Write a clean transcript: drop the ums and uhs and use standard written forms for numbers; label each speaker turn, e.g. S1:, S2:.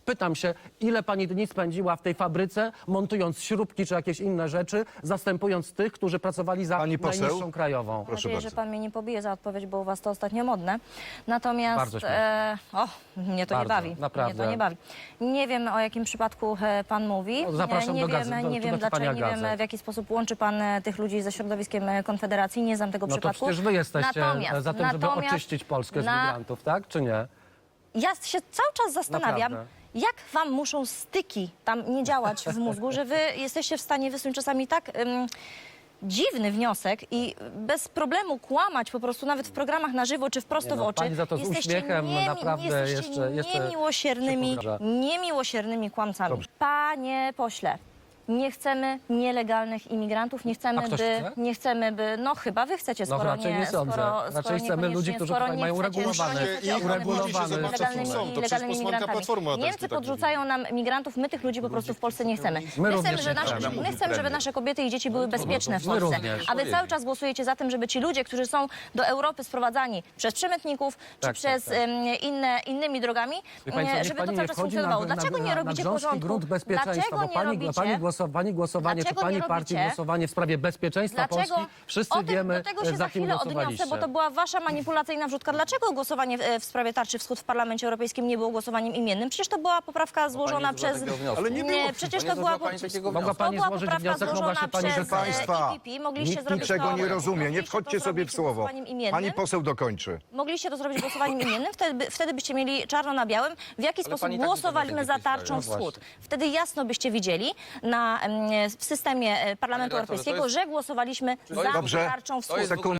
S1: Pytam się, ile pani dni spędziła w tej fabryce, montując śrubki czy jakieś inne rzeczy, zastępując tych, którzy pracowali za
S2: Pani poseł?
S1: najniższą krajową.
S2: Proszę
S3: Mam nadzieję,
S2: bardzo.
S3: że pan mnie nie pobije za odpowiedź, bo u was to ostatnio modne. Natomiast
S1: Bardzo śmieszne.
S3: mnie to
S1: Bardzo,
S3: nie bawi.
S1: naprawdę.
S3: Mnie to nie bawi. Nie wiem, o jakim przypadku pan mówi.
S1: No, zapraszam
S3: nie
S1: do
S3: wiem,
S1: gazet,
S3: nie wiem
S1: do
S3: dlaczego,
S1: czytania
S3: nie wiem
S1: gazet.
S3: w jaki sposób łączy pan tych ludzi ze środowiskiem Konfederacji. Nie znam tego
S1: No to
S3: przypadku.
S1: przecież wy jesteście
S3: Natomiast-
S1: za tym, żeby
S3: natomiast
S1: oczyścić Polskę z migrantów, tak? Czy nie?
S3: Ja się cały czas zastanawiam,
S1: Naprawdę.
S3: jak wam muszą styki tam nie działać w mózgu, że wy jesteście w stanie wysunąć czasami tak dziwny wniosek i bez problemu kłamać po prostu nawet w programach na żywo czy wprosto
S1: Nie no,
S3: w oczy.
S1: pani za to z
S3: Jesteście
S1: uśmiechem naprawdę
S3: jesteście
S1: jeszcze
S3: niemiłosiernymi kłamcami.
S1: Dobrze.
S3: Panie pośle, nie chcemy nielegalnych imigrantów, nie
S1: A
S3: chcemy,
S1: ktoś chce?
S3: nie chcemy, by... No chyba wy chcecie,
S1: No
S3: skoro
S1: raczej nie sądzę.
S3: skoro
S1: Raczej chcemy ludzi, którzy tutaj mają uregulowany
S3: Niemcy podrzucają nam migrantów, my tych ludzi po prostu w Polsce nie chcemy. My chcemy, żeby nasze kobiety i dzieci były bezpieczne w
S1: My
S3: Polsce.
S1: również.
S3: A wy cały czas głosujecie za tym, żeby ci ludzie, którzy są do Europy sprowadzani przez przemytników czy
S1: Tak,
S3: przez
S1: tak.
S3: innymi drogami,
S1: Wie pani co, niech
S3: żeby
S1: pani
S3: to
S1: nie
S3: cały czas
S1: wchodzi
S3: funkcjonowało.
S1: na
S3: Dlaczego nie robicie
S1: grząski
S3: porządku?
S1: grunt bezpieczeństwa, bo pani głosowanie, czy
S3: Dlaczego
S1: pani
S3: nie
S1: partii
S3: robicie?
S1: głosowanie w sprawie bezpieczeństwa
S3: Dlaczego?
S1: Polski, wszyscy wiemy,
S3: do tego się
S1: za
S3: za
S1: kim
S3: chwilę odniosę,
S1: głosowaliście.
S3: bo to była wasza manipulacyjna wrzutka. Dlaczego głosowanie w sprawie Tarczy Wschód w Parlamencie Europejskim nie było głosowaniem imiennym? Przecież to była poprawka złożona przez...
S2: Ale nie było.
S3: przecież
S4: Nie
S3: to była...
S4: złożyła pani takiego
S1: Mogła pani
S3: była
S1: złożyć
S3: poprawka
S1: wniosek, mogła się
S3: złożona
S1: pani
S3: przez
S2: Państwa,
S3: EPP. Mogliście
S2: nikt
S3: zrobić
S2: niczego
S3: to,
S2: nie rozumie. Nie
S3: mogliście
S2: wchodźcie
S3: to
S2: sobie
S3: zrobić
S2: w słowo.
S3: głosowaniem imiennym.
S2: Pani poseł dokończy.
S3: Mogliście to zrobić głosowaniem imiennym, wtedy byście mieli czarno na białym, w jaki sposób
S4: pani tak
S3: głosowaliśmy
S4: nie
S3: za
S4: pisała.
S3: Tarczą
S4: No
S3: Wschód. Wtedy jasno byście widzieli w systemie Parlamentu
S4: Panie redaktorze,
S3: Europejskiego,
S4: to jest-
S3: że głosowaliśmy za
S2: Dobrze.
S3: Tarczą Wschód.
S2: Sekunda.